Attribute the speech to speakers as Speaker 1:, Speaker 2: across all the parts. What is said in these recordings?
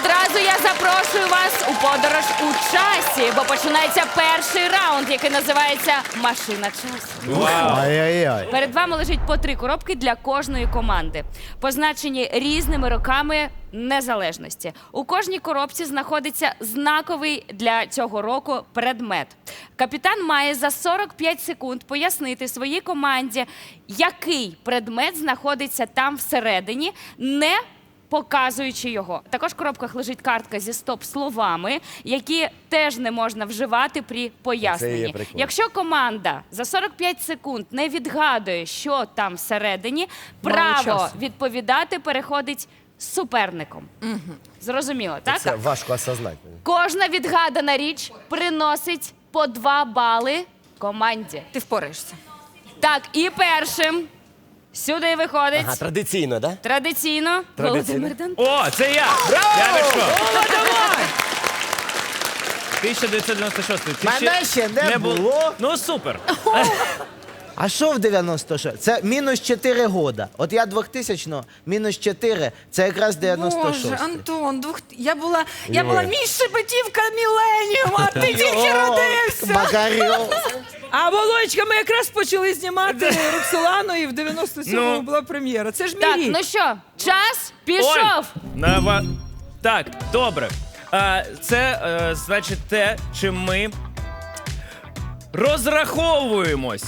Speaker 1: Одразу я запрошую вас у подорож у часі, бо починається перший раунд, який називається «Машина часу».
Speaker 2: Ай-яй-яй.
Speaker 1: Перед вами лежить по 3 коробки для кожної команди, позначені різними роками незалежності. У кожній коробці знаходиться знаковий для цього року предмет. Капітан має за 45 секунд пояснити своїй команді, який предмет знаходиться там всередині, не показуючи його. Також в коробках лежить картка зі стоп-словами, які теж не можна вживати при поясненні.
Speaker 2: прикол.
Speaker 1: Якщо команда за 45 секунд не відгадує, що там всередині, право
Speaker 3: часу.
Speaker 1: відповідати переходить суперником. Зрозуміло, так?
Speaker 2: Це важко осознати.
Speaker 1: Кожна відгадана річ приносить по 2 бали команді.
Speaker 3: Ти впораєшся.
Speaker 1: Так, і першим сюди виходить
Speaker 2: Ага, традиційно, да?
Speaker 1: традиційно Володимир Данко.
Speaker 4: О, це я! Я вийшов.
Speaker 3: Давай!
Speaker 4: 1996. Це
Speaker 2: Мене ще не було.
Speaker 4: Ну, супер.
Speaker 2: А що в 96? Це мінус 4 года. От я 2000-го, мінус 4, це якраз 96.
Speaker 3: Боже, Антон, я була між шепетівка Міленіум, а ти тільки родився.
Speaker 2: Макарьов.
Speaker 5: А Володька, ми якраз почали знімати Роксолану, і в 97-му
Speaker 4: Ну.
Speaker 5: була прем'єра. Це ж мій
Speaker 1: Так,
Speaker 5: рік.
Speaker 1: ну що, час пішов.
Speaker 4: Так, добре. Це, значить, те, чим ми розраховуємось.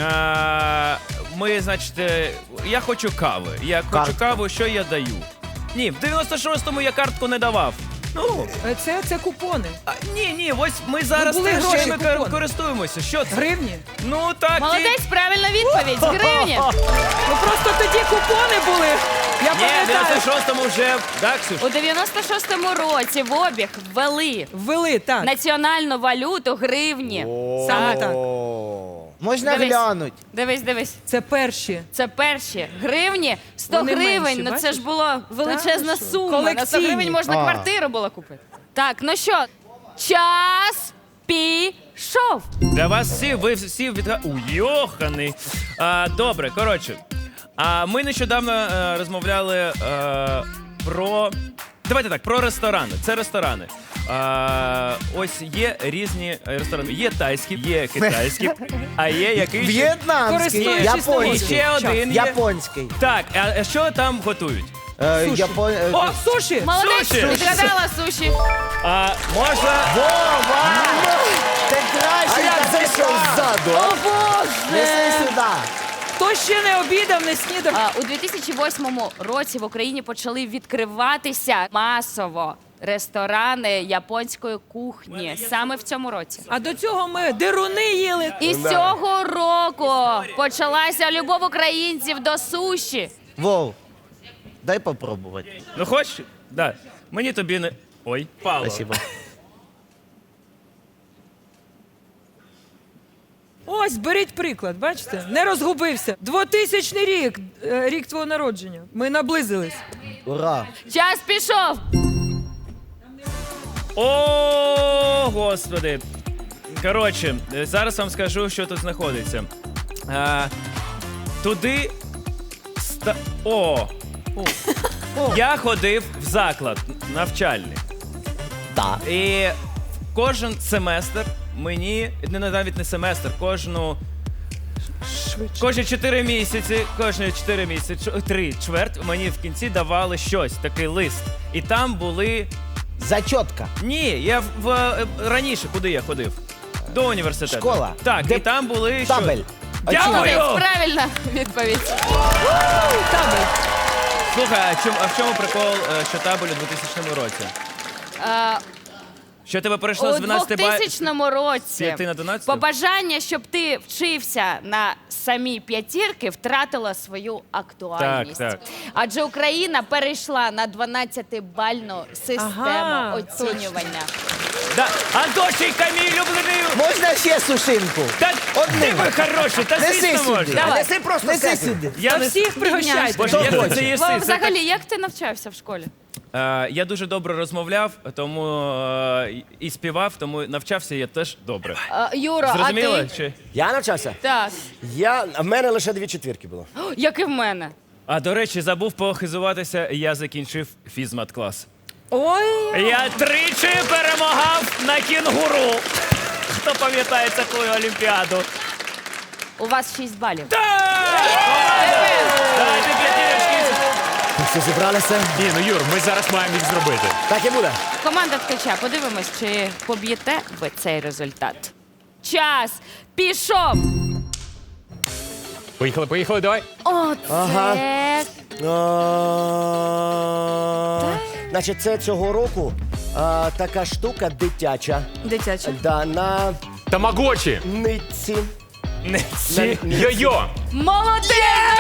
Speaker 4: Ми, значить, я хочу кави. Я хочу
Speaker 2: Картку.
Speaker 4: каву, що я даю? Ні, в 96-му я картку не давав. Ну,
Speaker 5: Це купони.
Speaker 4: ні, ось ми зараз
Speaker 5: були
Speaker 4: теж
Speaker 5: гроші,
Speaker 4: чим
Speaker 5: купони.
Speaker 4: користуємося. Що це?
Speaker 5: Гривні.
Speaker 4: Ну, так.
Speaker 1: Молодець, правильна відповідь. З гривні.
Speaker 5: Ну просто тоді купони були. Я
Speaker 4: Ні, в
Speaker 5: пам'ятаю.
Speaker 4: 96-му вже, так, Ксюш?
Speaker 1: У 96-му році в обіг ввели
Speaker 5: Ввели, так.
Speaker 1: національну валюту гривні.
Speaker 5: Саме так.
Speaker 2: Можна
Speaker 1: Дивись.
Speaker 2: глянуть.
Speaker 1: Дивись.
Speaker 5: Це перші.
Speaker 1: Це перші гривні, 100
Speaker 5: Вони
Speaker 1: гривень.
Speaker 5: менші,
Speaker 1: Ну це
Speaker 5: бачиш?
Speaker 1: ж була величезна
Speaker 5: що?
Speaker 1: сума. На 100 гривень
Speaker 5: Колекційні.
Speaker 1: можна квартиру було купити. Так, ну що, час пішов.
Speaker 4: Для вас всі, ви всі Уйоханий. Добре, коротше. Ми нещодавно розмовляли про. Давайте так, про ресторани. Це ресторани. Ось є різні ресторани. Є тайські, є китайські, а є якийсь.
Speaker 2: В'єтнамський,
Speaker 5: Користуючись
Speaker 4: І
Speaker 2: японський.
Speaker 4: ще один є.
Speaker 2: Японський.
Speaker 4: Так, а що там готують?
Speaker 5: О, суші!
Speaker 1: Молодець,
Speaker 4: Суші.
Speaker 1: відгадала суші.
Speaker 4: Можна.
Speaker 2: Вова! Ти краще
Speaker 6: як зайшов ззаду,
Speaker 1: О, Боже!
Speaker 2: Неси сюди.
Speaker 5: Хто ще не обідав, не снідав?
Speaker 1: У 2008 році в Україні почали відкриватися масово ресторани японської кухні. Саме в цьому році.
Speaker 5: А до цього ми деруни їли.
Speaker 1: І з цього року почалася любов українців до суші.
Speaker 2: Вов, дай попробувати.
Speaker 4: Ну хочеш? Да. Мені тобі не. Ой, Павло.
Speaker 2: Спасибо.
Speaker 5: Ось, беріть приклад, бачите? Не розгубився. 2000 рік, рік твого народження. Ми наблизились.
Speaker 2: Ура.
Speaker 1: Час пішов.
Speaker 4: О, господи. Коротше, зараз вам скажу, що тут знаходиться. Туди. Я ходив в заклад навчальний.
Speaker 2: Так.
Speaker 4: І кожен семестр мені, навіть не семестр, кожні 4 місяці, 3 чверть, мені в кінці давали щось, такий лист. І там були.
Speaker 2: Зачотка.
Speaker 4: Ні, я раніше, куди я ходив? До університету.
Speaker 2: Школа.
Speaker 4: Так,
Speaker 2: Де-
Speaker 4: і там були
Speaker 2: Табель.
Speaker 4: Дякую!
Speaker 1: Молодець, правильна відповідь.
Speaker 4: Слухай, а в чому прикол, що табель у 2000 році? Що тебе перейшло
Speaker 1: У
Speaker 4: з 12
Speaker 1: 2000 році
Speaker 4: 5 на 12?
Speaker 1: побажання, щоб ти вчився на самі п'ятірки, втратило свою актуальність.
Speaker 4: Так.
Speaker 1: Адже Україна перейшла на 12-бальну систему
Speaker 5: Ага,
Speaker 1: оцінювання.
Speaker 4: Да. Антошенька, мій улюблений!
Speaker 2: Можна ще сушинку?
Speaker 4: Та
Speaker 2: Одну.
Speaker 4: ти ви хороший, та
Speaker 2: Неси
Speaker 4: звісно
Speaker 2: сюди.
Speaker 4: можна.
Speaker 1: Давай.
Speaker 6: Неси просто
Speaker 2: Неси
Speaker 6: себе.
Speaker 2: сюди.
Speaker 4: Я не
Speaker 5: Всіх пригощайте.
Speaker 4: Боже, як
Speaker 2: хоче.
Speaker 4: ти це їси?
Speaker 1: Вов,
Speaker 4: Це
Speaker 1: взагалі, як ти навчався в школі?
Speaker 4: Я дуже добре розмовляв, тому і співав, тому навчався я теж добре.
Speaker 1: Юро, а
Speaker 4: Зрозуміло?
Speaker 1: ти?
Speaker 4: Чи?
Speaker 6: Я навчався?
Speaker 1: Так.
Speaker 6: В мене лише 2 четвірки було.
Speaker 1: Як і в мене.
Speaker 4: А до речі, забув похизуватися, я закінчив фізмат-клас.
Speaker 3: Ой,
Speaker 4: Я тричі перемагав на кінгуру. Хто пам'ятає таку олімпіаду?
Speaker 1: У вас 6 балів.
Speaker 4: Дайте п'ятірочки.
Speaker 6: Все зібралися?
Speaker 7: Ні, ну Юр, ми зараз маємо їх зробити.
Speaker 6: Так і буде.
Speaker 1: Команда ткача, подивимось, чи поб'єте ви цей результат. Час пішов.
Speaker 7: Поїхали, давай.
Speaker 1: Оце
Speaker 6: Значить, це цього року така штука дитяча.
Speaker 3: дитяча.
Speaker 6: Да, на
Speaker 7: Тамагочі.
Speaker 6: нитці.
Speaker 4: Не ці.
Speaker 7: Йо-йо.
Speaker 1: молодець!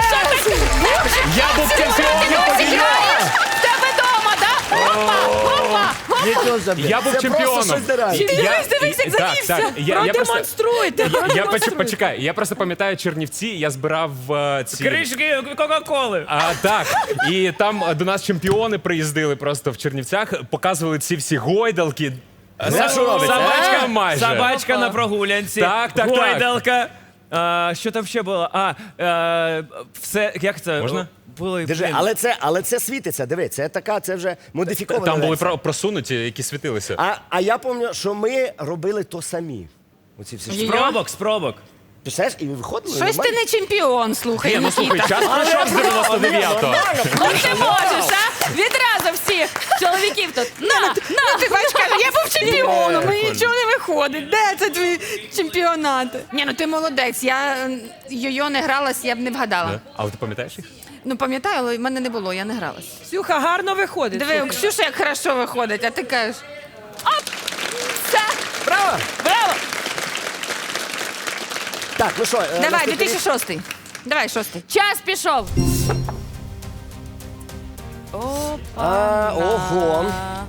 Speaker 7: Я був чемпіоном по йо.
Speaker 1: В тебе дома, да? Опа!
Speaker 2: Нічого собі.
Speaker 7: Я був
Speaker 6: Це просто
Speaker 7: чемпіоном.
Speaker 6: щось дирає.
Speaker 3: Дивись, як завівся. Продемонструйте.
Speaker 7: Почекай, я просто пам'ятаю Чернівці, я збирав ці...
Speaker 4: Кришки Кока-Коли.
Speaker 7: Так, і там до нас чемпіони приїздили просто в Чернівцях, показували ці всі гойдалки.
Speaker 6: що робиться,
Speaker 7: Собачка майже.
Speaker 4: Собачка на прогулянці.
Speaker 7: Так.
Speaker 4: Гойдалка. Що там ще було? Все, як це?
Speaker 7: Можна?
Speaker 4: Були,
Speaker 6: Держи,
Speaker 4: блін.
Speaker 6: але це світиться, диви, це така, це вже модифікована.
Speaker 7: Там були
Speaker 6: версія.
Speaker 7: просунуті, які світилися.
Speaker 6: А я пам'ятаю, що ми робили то самі. Оці всі штуки.
Speaker 4: Спробок.
Speaker 6: Ти знаєш, і виходили.
Speaker 3: Щось ти не чемпіон, слухай,
Speaker 7: Ні, ну слухай,
Speaker 3: Нікіта.
Speaker 7: час пройшов з 99-го.
Speaker 1: Ну ти можеш, а? Відразу всіх чоловіків тут. На!
Speaker 3: Ти бачиш, каже, я був чемпіоном, мені нічого не виходить. Де це твої чемпіонати? Ні, ну ти молодець. Я йо-йо не гралась, я б не вгадала.
Speaker 7: Але ти пам'ятаєш їх?
Speaker 3: Ну пам'ятаю, але в мене не було, я не гралась.
Speaker 5: Ксюха, гарно виходить.
Speaker 3: Диви, у Ксюші як хорошо виходить, а ти кажеш.
Speaker 1: Все!
Speaker 6: Браво!
Speaker 1: Браво!
Speaker 6: Так, ну що,
Speaker 3: Давай,
Speaker 6: наступний рік?
Speaker 3: 2006. Давай, 6.
Speaker 1: Час пішов.
Speaker 6: Ого.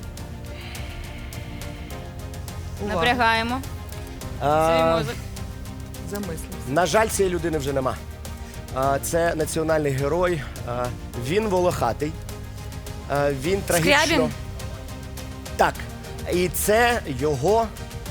Speaker 1: Напрягаємо. Свій мозок.
Speaker 5: Замислився.
Speaker 6: На жаль, цієї людини вже нема. Це національний герой. Він волохатий. Він трагічно.
Speaker 3: Скрябін?
Speaker 6: Так. І це його.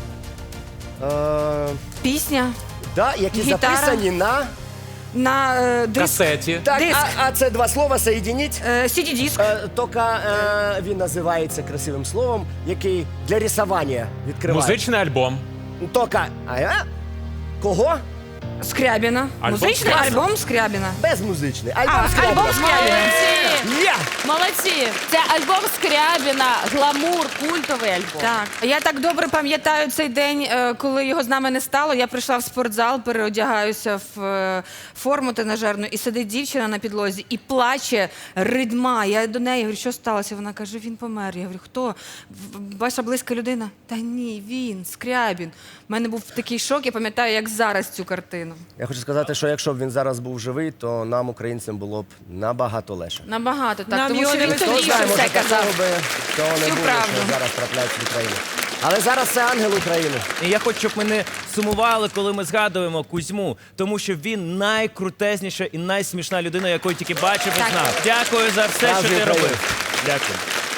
Speaker 3: Пісня
Speaker 6: Які
Speaker 3: Гітара.
Speaker 6: записані на.
Speaker 3: на диск.
Speaker 7: Касеті.
Speaker 6: Так,
Speaker 3: Диск.
Speaker 6: а це два слова соєдініть.
Speaker 3: CD-диск.
Speaker 6: Тільки він називається красивим словом, який для рисування відкриває.
Speaker 7: Музичний альбом.
Speaker 6: Тільки. Кого?
Speaker 3: Скрябіна.
Speaker 7: Альбом
Speaker 3: Музичний
Speaker 7: Скрябіна.
Speaker 3: альбом Скрябіна.
Speaker 6: Безмузичний.
Speaker 3: А, альбом Скрябіна.
Speaker 1: Молодці!
Speaker 6: Є!
Speaker 1: Молодці! Це альбом Скрябіна, гламур, культовий альбом.
Speaker 3: Так. Я так добре пам'ятаю цей день, коли його з нами не стало. Я прийшла в спортзал, переодягаюся в форму тренажерну, і сидить дівчина на підлозі і плаче, ридма. Я до неї говорю, що сталося? Вона каже, він помер. Я говорю, хто? Ваша близька людина? Та ні, він, Скрябін. У мене був такий шок, я пам'ятаю, як зараз цю картину.
Speaker 6: Я хочу сказати, що якщо б він зараз був живий, то нам, українцям, було б набагато легше.
Speaker 3: Набагато так,
Speaker 5: Нам
Speaker 3: тому
Speaker 5: його
Speaker 3: що
Speaker 5: не
Speaker 3: він
Speaker 5: вистачає.
Speaker 3: тоді
Speaker 6: Хто
Speaker 3: вже
Speaker 6: знає,
Speaker 3: все
Speaker 6: може,
Speaker 3: казав.
Speaker 6: такого би цього не
Speaker 3: Всю
Speaker 6: було,
Speaker 3: правду.
Speaker 6: що зараз трапляється в Україні. Але зараз це ангел України.
Speaker 4: І я хочу, щоб ми не сумували, коли ми згадуємо Кузьму, тому що він найкрутезніша і найсмішна людина, яку я тільки бачив і знав. Дякую за все, що
Speaker 6: Справжній
Speaker 4: ти
Speaker 6: українець.
Speaker 4: робив. Дякую.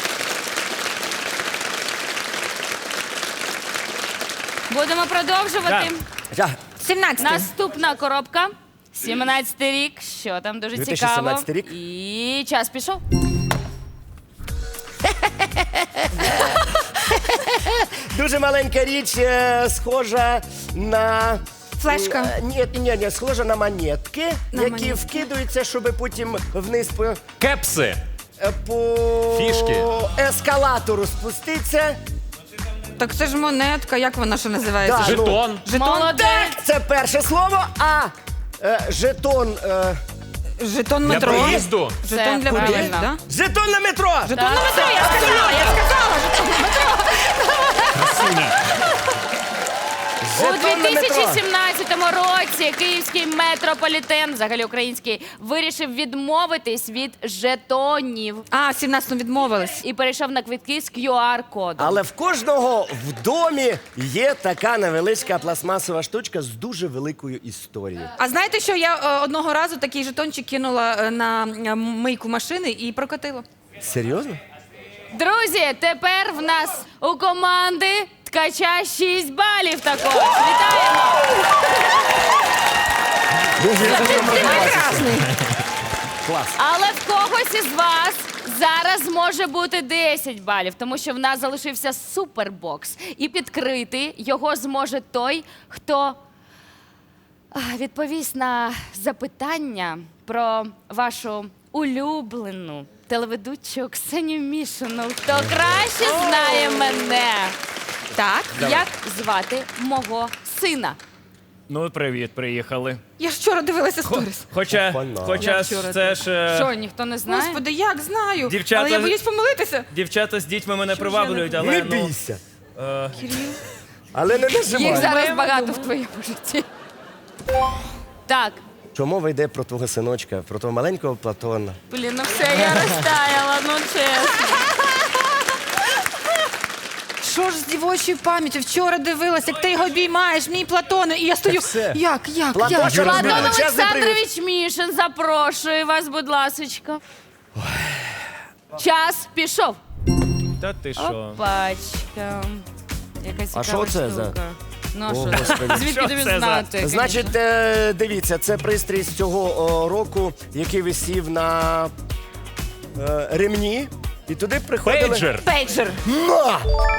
Speaker 1: Будемо продовжувати.
Speaker 6: Так.
Speaker 3: 17.
Speaker 1: Наступна коробка. 17-й рік. Що там дуже
Speaker 6: 2017
Speaker 1: цікаво.
Speaker 6: рік.
Speaker 1: І час пішов.
Speaker 6: Дуже маленька річ, схожа на...
Speaker 3: Флешка.
Speaker 6: Ні, схожа на монетки,
Speaker 3: На
Speaker 6: які
Speaker 3: монетки.
Speaker 6: вкидаються, щоб потім вниз
Speaker 7: Кепси.
Speaker 6: по
Speaker 7: Фішки.
Speaker 6: ескалатору спуститися.
Speaker 3: Так це ж монетка, як вона ще називається?
Speaker 6: Да.
Speaker 7: Жетон.
Speaker 3: Жетон?
Speaker 1: Молодець!
Speaker 6: Це перше слово, а жетон...
Speaker 3: Жетон
Speaker 7: Для
Speaker 3: метро.
Speaker 7: проїзду.
Speaker 3: Жетон для
Speaker 1: правильно.
Speaker 3: проїзду, да?
Speaker 6: Жетон на метро!
Speaker 3: Жетон на метро, я сказала, жетон на метро.
Speaker 1: У
Speaker 6: Жетон на метро.
Speaker 1: 2017 році київський метрополітен, взагалі український, вирішив відмовитись від жетонів
Speaker 3: А, в 17-му відмовились.
Speaker 1: і перейшов на квитки з QR-кодом.
Speaker 6: Але в кожного в домі є така невеличка пластмасова штучка з дуже великою історією.
Speaker 3: А знаєте, що я одного разу такий жетончик кинула на мийку машини і прокатила?
Speaker 6: Серйозно?
Speaker 1: Друзі, тепер в нас у команди ткача 6 балів також. Вітаємо!
Speaker 6: Дуже
Speaker 3: Ти прекрасний.
Speaker 6: клас.
Speaker 1: Але в когось когось із вас зараз може бути 10 балів, тому що в нас залишився супербокс. І підкрити його зможе той, хто відповість на запитання про вашу улюблену телеведучу Ксенію Мішину. Хто краще знає мене?
Speaker 3: Так.
Speaker 1: Як звати мого сина?
Speaker 4: Ну, привіт, приїхали.
Speaker 3: Я ж вчора дивилася сторіс.
Speaker 4: Хоча це ж...
Speaker 1: Що, ніхто не знає?
Speaker 3: Господи, як знаю.
Speaker 4: Дівчата-
Speaker 3: Але я боюсь помилитися.
Speaker 4: Дівчата з дітьми мене приваблюють, але
Speaker 6: Не
Speaker 4: ну...
Speaker 6: бійся. Але не
Speaker 1: Їх
Speaker 6: нажимай.
Speaker 1: зараз багато в твоєму житті. Так,
Speaker 6: Чому мова йде про твого синочка, про твого маленького Платона?
Speaker 1: блін, ну все, я розтаяла, ну чесно.
Speaker 3: Що ж з дівочою пам'яттю? Вчора дивилася, як ти його обіймаєш, мій Платоне, і я стою.
Speaker 6: все.
Speaker 3: Як?
Speaker 6: Платон, що
Speaker 1: Платон
Speaker 6: розмовляє? Чесний привіт.
Speaker 1: Олександрович Мішин, запрошую вас, будь ласочка. Час пішов.
Speaker 4: Та ти що?
Speaker 1: Опачка. Яка цікава
Speaker 6: що це за-
Speaker 1: штука. Ну, а
Speaker 6: О,
Speaker 1: що?
Speaker 6: Господи.
Speaker 1: Звідки
Speaker 4: Що
Speaker 1: тобі
Speaker 4: це за-
Speaker 1: знати?
Speaker 6: Значить, дивіться, це пристрій з цього року, який висів на ремні. І туди приходили...
Speaker 7: Пейджер.
Speaker 3: Пейджер.
Speaker 6: На!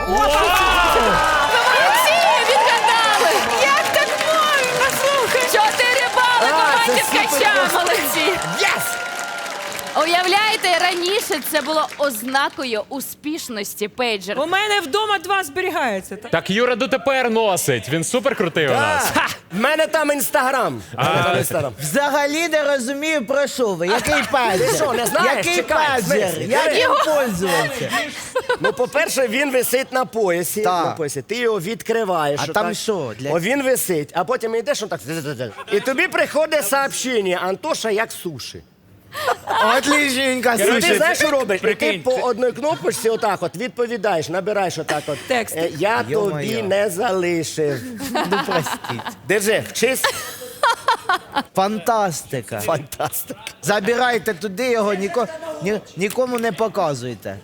Speaker 1: Молодці, відгадали!
Speaker 3: Як так можна? Слухай.
Speaker 1: 4 бали команді
Speaker 6: це супер
Speaker 1: ткача,
Speaker 6: просто.
Speaker 1: молодці!
Speaker 6: Єс!
Speaker 1: Уявляєте, раніше це було ознакою успішності пейджер.
Speaker 5: У мене вдома 2 зберігається.
Speaker 7: Так Юра дотепер носить. Він супер крутий у нас.
Speaker 6: В мене там інстаграм.
Speaker 2: Взагалі не розумію, про що ви. Який пазір?
Speaker 6: Ти що, не знаєш?
Speaker 2: Який
Speaker 6: Чекай, в
Speaker 2: пазір?
Speaker 6: смислі?
Speaker 2: Як їм пользуватися?
Speaker 6: Ну, по-перше, він висить на поясі.
Speaker 2: Так.
Speaker 6: На поясі. Ти його відкриваєш.
Speaker 2: А там що, для-
Speaker 6: О, він висить, а потім йдеш, он так. І тобі приходить сообщення, Антоша, як суші.
Speaker 2: Отлічненько,
Speaker 6: І ти
Speaker 2: слушай.
Speaker 6: знаєш, що робиш? І ти
Speaker 4: прикинь,
Speaker 6: по одній кнопочці отак от відповідаєш, набираєш отак от.
Speaker 5: Текст.
Speaker 6: Я
Speaker 2: Йо-моє.
Speaker 6: тобі не залишив.
Speaker 2: Ну, простіть.
Speaker 6: Держи, вчись.
Speaker 2: Фантастика.
Speaker 6: Фантастика.
Speaker 2: Забирайте туди його, нікому не показуйте.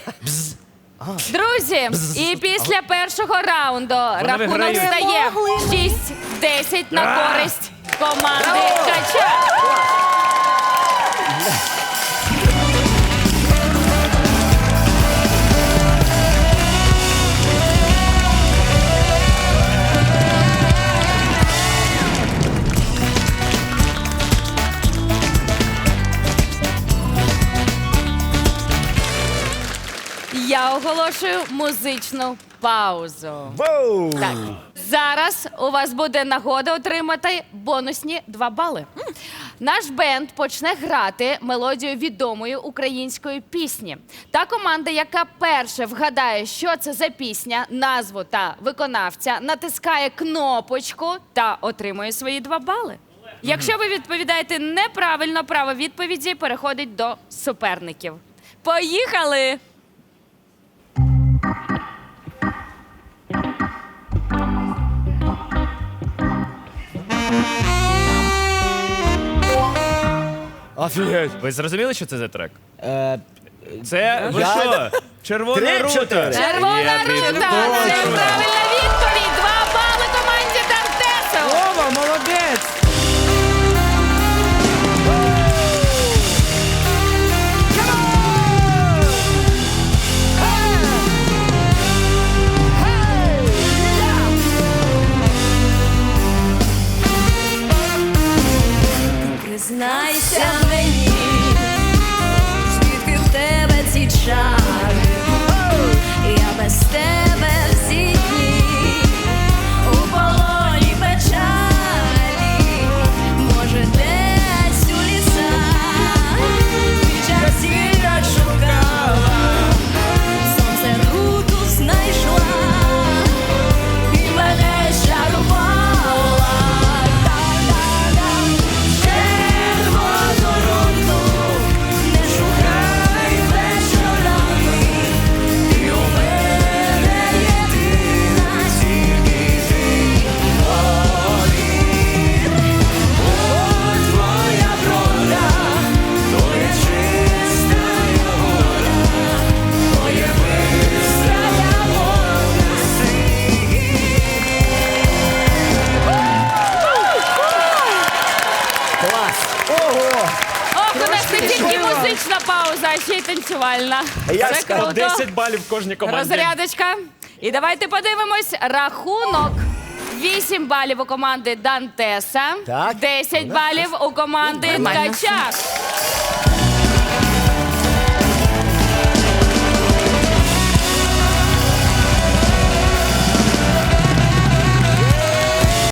Speaker 1: Друзі, і після першого раунду рахунок
Speaker 4: виграють.
Speaker 1: стає 6-10 на користь команди ткача. Я оголошую музичну паузу.
Speaker 6: Воу!
Speaker 1: Так, зараз у вас буде нагода отримати бонусні 2 бали. Наш бенд почне грати мелодію відомої української пісні. Та команда, яка перше вгадає, що це за пісня, назву та виконавця, натискає кнопочку та отримує свої 2 бали. Якщо ви відповідаєте неправильно, право відповіді переходить до суперників. Поїхали!
Speaker 6: Офігеть.
Speaker 4: Ви зрозуміли, що це за трек?
Speaker 2: Е,
Speaker 4: Це, ви що? Червона
Speaker 6: 3-4.
Speaker 4: рута.
Speaker 1: Червона
Speaker 4: Я
Speaker 1: рута!
Speaker 4: піду.
Speaker 1: Це правильна відповідь! 2 бали команді Дантесов!
Speaker 5: Вова, молодець!
Speaker 8: Признайся мені, звідки в тебе ці чари, я без тебе всі дні у полоні печалі.
Speaker 1: ще й танцювальна.
Speaker 6: Я
Speaker 1: Це
Speaker 6: ж
Speaker 7: По
Speaker 1: круто.
Speaker 7: 10 балів в кожній команді.
Speaker 1: Розрядочка. І давайте подивимось рахунок. 8 балів у команди Дантеса,
Speaker 6: Так.
Speaker 1: 10 балів у команди
Speaker 3: Нормально.
Speaker 1: Ткача.